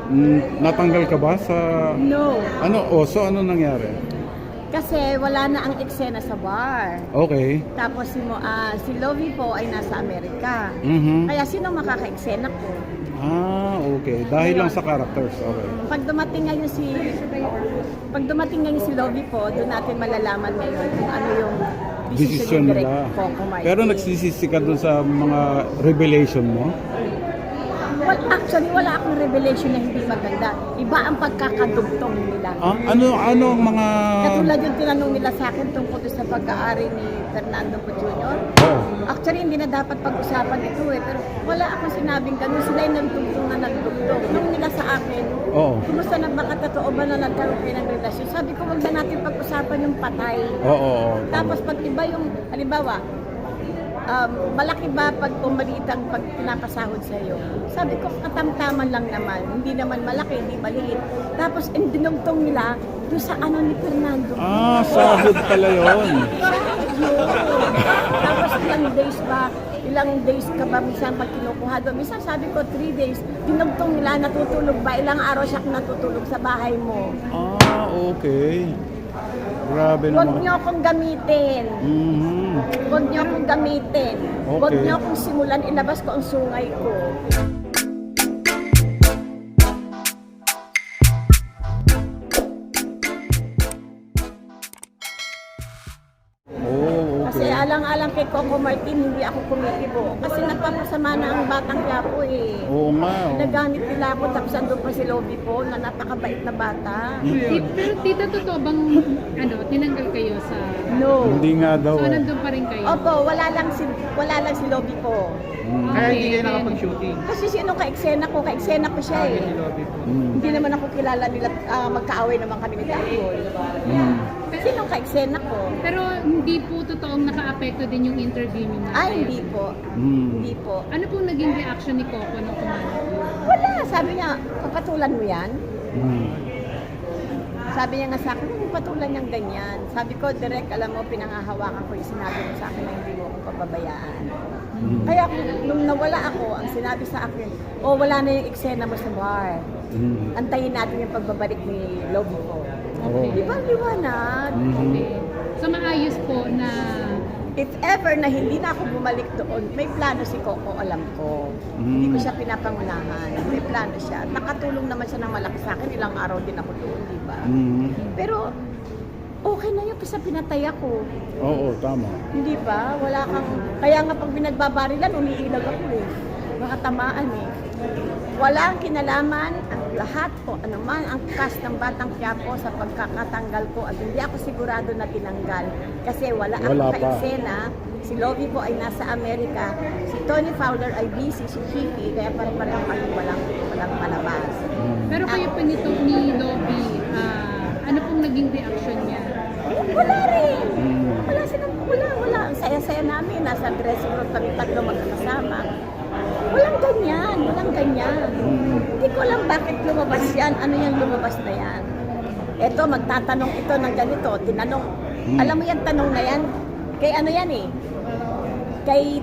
Natanggal ka ba sa... No. Ano? So ano nangyari? Kasi wala na ang eksena sa bar. Okay. Tapos si Lovie po ay nasa Amerika. Kaya sino makaka-eksena ko? Okay. Dahil lang sa characters. Okay. Pag dumating ngayon si Lovie po, doon natin malalaman ngayon kung ano yung Decision ni Direk nila. Coco Martin. Pero nagsisisi ka dun sa mga revelation mo? Well, actually, wala akong revelation na hindi maganda. Iba ang pagkakadugtong nila. Ano ang mga... Katulad yung tinanong nila sa akin tungkol sa pagka-ari ni Fernando Po Jr. Oh. Actually, hindi na dapat pag-usapan ito pero wala akong sinabing ganun. Sila yung nagtugtong na nagtugtong. Nung nila sa akin, kumusta na baka totoo ba na nagkaroon kayo ng relasyon? Sabi ko, wag na natin pag-usapan yung patay. Oo. Tapos pag iba yung, halimbawa, malaki ba pag maliit ang pag pinapasahod sa iyo? Sabi ko, katamtaman lang naman. Hindi naman malaki, hindi maliit. Tapos, dinugtong nila doon sa ano ni Fernando. Sahod pala yun. Tapos, ilang days ka ba minsan pag kinukuha doon? Minsan sabi ko, 3 days. Dinugtong nila, natutulog ba? Ilang araw siya natutulog sa bahay mo? Okay. Grabe Huwag naman. niyo akong gamitin. Huwag niyo akong gamitin. Huwag niyo akong simulan, ilabas ko ang sungay ko. Kasi alang-alang kay Coco Martin, hindi ako kumikibo. Kasi nagpapasama na ang batang Quiapo eh. Oo nga. Nagamit nila ako, tapos andun pa si Lovie po, na napakabait na bata. Pero tita, totoo bang tinanggal kayo sa... No. Hindi nga daw. So nandun pa rin kayo? Opo, wala lang si Lovie po. Kaya hindi kayo nakapag-shooting. Kasi sino ka-eksena ko siya eh. Hindi naman ako kilala nila, magkaaway naman kami ni Dapol. Sino ka-eksena ko? Pero hindi po totoong naka-apekto din yung interview niyo na? Hindi po. Hindi po. Ano pong naging reaction ni Coco nung kumalat yun? Wala, sabi niya, papatulan mo yan? Sabi niya nga sa akin, patulan niyang ganyan. Sabi ko, direct, alam mo, pinangahawakan ko yung sinabi mo sa akin na hindi mo ako pababayaan. Kaya nung nawala ako, ang sinabi sa akin, wala na yung eksena mo sa bar. Antayin natin yung pagbabalik ni Lovie ko. Di ba liwanag? Okay. So maayos po na... If ever na hindi na ako bumalik doon, may plano si Coco, alam ko. Hindi ko siya pinapangunahan. May plano siya. Nakatulong naman siya ng malaki sa akin. Ilang araw din ako doon, di ba? Pero okay na yun kasi pinatay ako. Oo, tama. Hindi ba? Wala kang... Kaya nga pag binagbabarilan, umiilag ako eh. Baka tamaan eh. Wala ang kinalaman, ang lahat po, anuman ang cast ng Batang Quiapo sa pagkakatanggal ko at hindi ako sigurado na tinanggal kasi wala akong ka-eksena. Si Lovie po ay nasa Amerika, si Tony Fowler ay busy, si Chicky, kaya pare-pareho kami walang palabas. Pero kayo po nito ni Lovie, ano pong naging reaction niya? Wala rin. Wala. Ang saya-saya namin. Nasa dressing room kami tatlo magkakasama. Walang ganyan. Hindi ko alam bakit lumabas yan. Ano yung lumabas na yan? Eto, magtatanong ito ng ganito. Tinanong. Alam mo yan, tanong na yan? Kay ano yan eh? Kay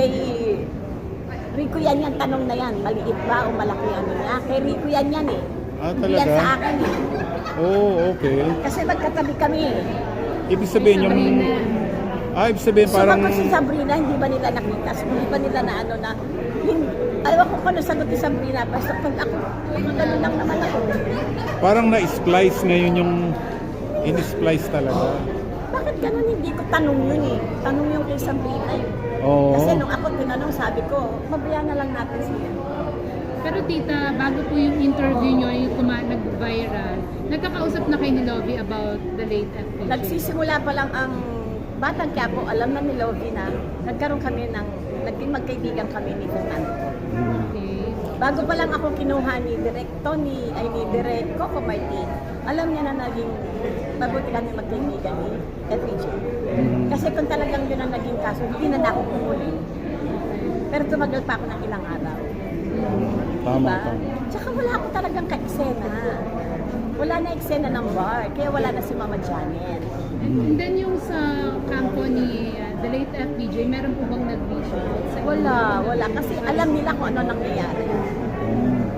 Rico yan tanong na yan. Maliit ba o malaki ano niya? Kay Rico yan eh. Hindi yan sa akin eh. Okay. Kasi magkatabi kami eh. Ibig sabihin yung... ibig sabihin parang... So, si Sabrina, hindi ba nila nakita? Hindi ba nila na ano na... Alam ko kung ano sagot ni Sabrina. Basta pag ako, gano'n lang naman ako. Parang na-splice ngayon yung... In-splice talaga. Bakit gano'n? Hindi ko tanong yun eh. Tanong yung kay Sabrina eh. Kasi nung ako tinanong, sabi ko, mabayaan na lang natin siya. Pero tita, bago po yung interview nyo, yung nag-viral, nagkakausap na kayo ni Lovie about the late FPJ? Nagsisimula pa lang ang Batang Quiapo, alam na ni Lovie na nagkaroon kami naging magkaibigan kami ni Fernando. Okay. Bago pa lang ako kinuha ni Direk Coco Martin, alam niya na naging mabuti kami magkaibigan ni FPJ. Kasi kung talagang yun ang naging kaso, hindi na ako pumuli. Pero tumagal pa ako ng ilang araw. Tama. Tsaka wala ako talagang ka-eksena. Wala na eksena ng bar, kaya wala na si Mama Janet. And then yung sa kampo ni the late FPJ, meron po bang nag-reach out? Wala. Kasi alam nila kung ano nangyayari.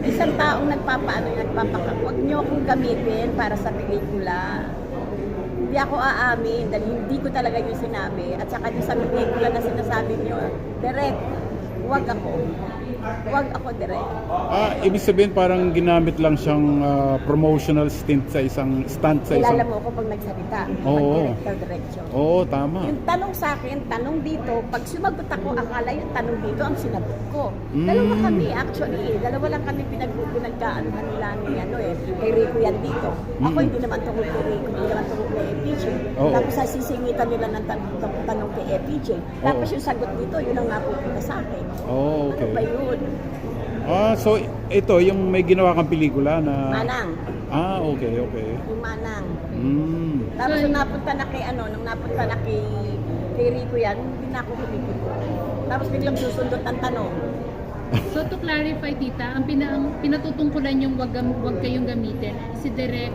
isang taong nagpapaka, huwag niyo akong gamitin para sa pelikula. Hindi ako aamin dahil hindi ko talaga yung sinabi. At saka yung sa pelikula na sinasabi niyo, direct, huwag ako. Huwag ako direct. Ibig sabihin parang ginamit lang siyang promotional stunt sa isang Kilala mo ako pag nagsalita. Oo. Pag director. Oo, tama. Yung tanong sa akin, tanong dito, pag sumagot ako, akala yung tanong dito ang sinagot ko. Mm. Dalawa kami actually, dalawa lang kami pinagkaanuhan nila ni kay Rico yan dito. Ako hindi naman tungkol kay Rico, hindi naman tungkol kay FPJ. Oo. Tapos sisingitan nila ng tanong kay FPJ. Tapos yung sagot dito, yun ang napupunta sa akin. Oh, okay. Ano ba yun? So ito yung may ginawa kang pelikula na Manang. Okay. Yung Manang. Mm. Tapos nung napunta na kay Rico yan, hindi na ako humigit. Tapos biglang susundot ang tanong. So to clarify, tita, ang pinatutungkulan yung wag kayong gamitin, si Direk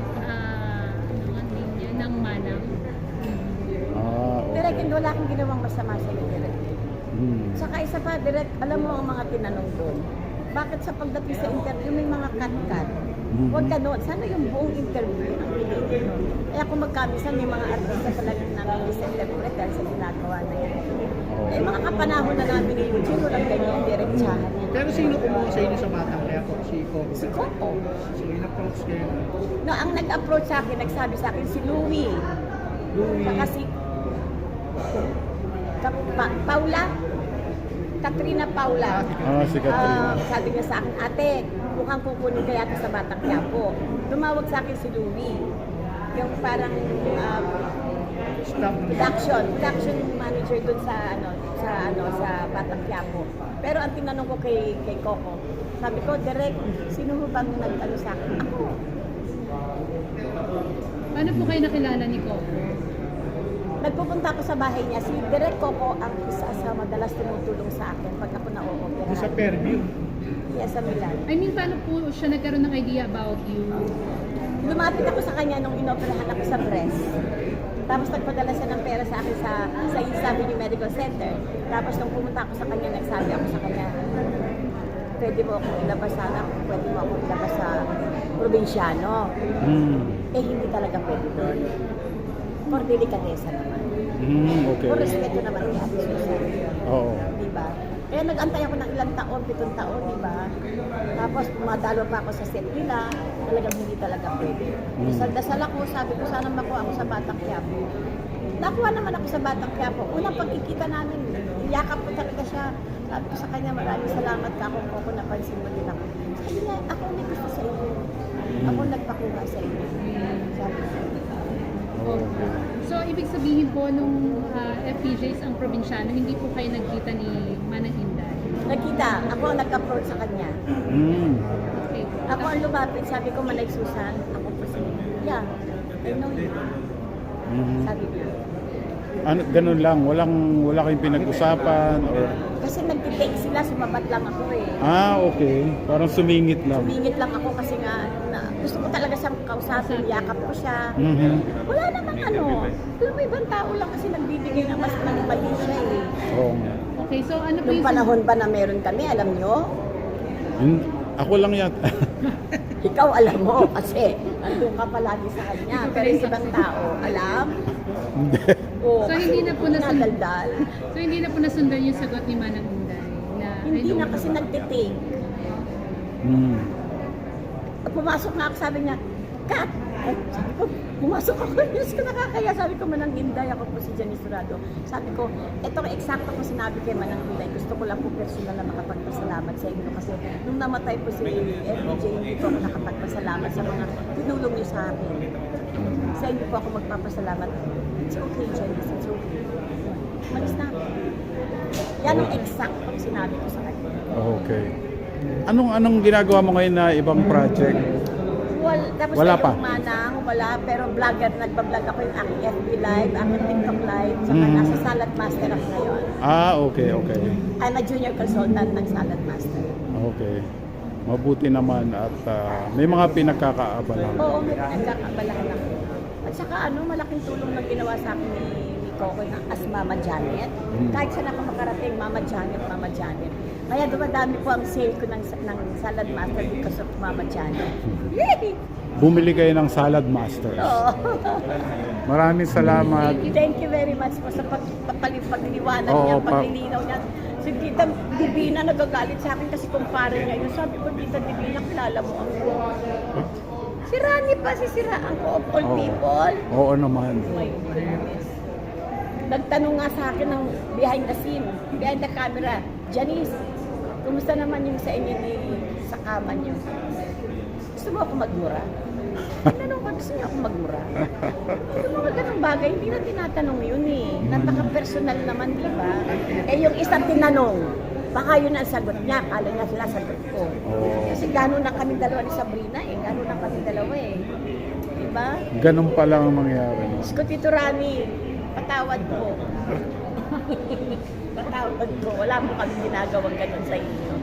ng Manang. Okay. Direk, hindi wala akong ginawang masama sa iyo, Direk. Mm. Saka isa pa, Direk, alam mo ang mga tinanong doon. Bakit sa pagdating sa interview may mga cut-cut? Huwag ka doon. Sana yung buong interview ang pinili. Kaya kung magkamisan, may mga artista talagang nami-misinterpret dahil sa ginagawa na yan. Eh, mga kapanahon na namin ni Eugene, walang ganyan, diretsahan yan. Pero sino kumuha sa inyo sa Batang Quiapo? Si Coco. Si Coco. So, in-approach kayo. No, ang nag-approach sa akin, nagsabi sa akin si Louie. Saka si Paula. Katrina Paula. Si Katrina. Sabi niya sa akin, ate, mukhang kukunin kaya ito sa Batang Quiapo. Tumawag sa akin si Louie. Yung parang Staff ng production manager dun sa Batang Quiapo. Pero ang tinanong ko kay Coco, sabi ko, direct, sino mo bang nag-ano sa akin? Ako. Paano po kayo nakilala ni Coco? Nagpupunta ako sa bahay niya. Si Direk Coco ang isa sa madalas tumutulong sa akin pag ako na-o-opera. sa Fairview. Yes, sa Milan. I mean, paano po siya nagkaroon ng idea about you? Lumapit ako sa kanya nung inoperahan ako sa breast. Tapos nagpadala siya ng pera sa akin sa East Avenue Medical Center. Tapos nung pumunta ako sa kanya, nagsabi ako sa kanya, pwede mo akong ilabas sana, pwede mo akong ilabas sa probinsyano. Eh, hindi talaga pwede doon. For delikatesa naman. Okay. For respeto naman ni Ate Susan. Oo. Diba? Kaya nag-antay ako ng ilang taon, 7 taon, diba? Tapos pumadalo pa ako sa set nila, talagang hindi talaga pwede. Dasal ako, sabi ko sana makuha ako sa Batang Quiapo. Nakuha naman ako sa Batang Quiapo. Unang pagkikita namin, yakap ko talaga siya. Sabi ko sa kanya, maraming salamat ka kung napansin mo din ako. Sabi niya, ako may gusto sa iyo. Ako nagpakuha sa iyo. Sabi ko. Okay. So, ibig sabihin po, nung FPJs ang probinsyano, hindi po kayo nagkita ni Manang Inday? Nakita, ako ang nag-approach sa kanya. Okay. Ako ang lumapit, sabi ko, Manay Susan, ako po si yeah, I know you. Sabi niya. Ganun lang, wala kayong pinag-usapan or Kasi nag-take sila, sumabat lang ako eh. okay. Parang sumingit lang. Sumingit lang ako kasi nga, gusto ko talaga siyang kausapin, yakap ko siya. Wala namang alam mo, ibang tao lang kasi nagbibigay ng mas mali siya eh. Oo nga. Okay, so ano po Nung yung... panahon ba na meron kami, alam nyo? Ako lang yata. Ikaw alam mo kasi nandun ka palagi sa kanya. Pero yung ibang tao, alam? Oo, So, hindi na po nadaldal. So, hindi na po nasundan yung sagot ni Manang Inday? Na, Hindi na kasi nagtitake. Pumasok na ako, sabi niya, Kat! Ay, sabi ko, pumasok ako, Diyos ko nakakaya. Sabi ko, Manang Inday, ako po si Janice Turado. Sabi ko, ito ang eksakto ko sinabi kay Manang Inday. Gusto ko lang po personal na makapagpasalamat sa inyo. Kasi nung namatay po si FJ, hindi po ako nakapagpasalamat sa mga tinulong niyo sa akin. Sa inyo po ako magpapasalamat. It's okay, Janice, it's okay. Malis na ako. Yan ang eksaktong sinabi ko sa kanya. Okay. Anong ginagawa mo ngayon na ibang project? Tapos Wala na pa? yung Manang, wala. Pero vlogger, nagbablog ako yung aking FB Live, aking TikTok Live, saka nasa Salad Master ako ngayon. Okay. I'm a junior consultant ng Salad Master. Okay. Mabuti naman at may mga pinagkakaabalahan. Oo, may pinagkakabalahan ako. At saka malaking tulong na ginawa sa akin ni Coco as Mama Janet. Kahit saan ako makarating, Mama Janet, Mama Janet. Kaya dumadami po ang sale ko ng Salad Master because of Mama Chano. Bumili kayo ng Salad Master. Oo. Maraming salamat. Thank you very much po sa pagliliwanag Oo, niya, paglilinaw niya. Si Tita Divina nagagalit sa akin kasi kumpare niya yun. Sabi ko, Tita Divina, kilala mo ako. Si Rani pa, sisiraan ko of all Oo. people. Oo naman. My goodness. Nagtanong nga sa akin ng behind the scene, behind the camera, Janice, kumusta naman yung sa inyo ni sa kama niyo? Gusto mo ako magmura? Tinanong ko, gusto niyo ako magmura? Yung mga ganong bagay, hindi na tinatanong yun eh. Napaka-personal naman, di ba? Eh yung isang tinanong, baka yun ang sagot niya, kala niya sila sagot ko. Oo. Kasi gano'n na kami dalawa ni Sabrina eh, gano'n na kami dalawa eh. Di ba? Ganun pa lang ang mangyari. No? Diyos ko, Tito Rani, patawad ko. Patawad ko. Wala mo kami ginagawang ganun sa inyo.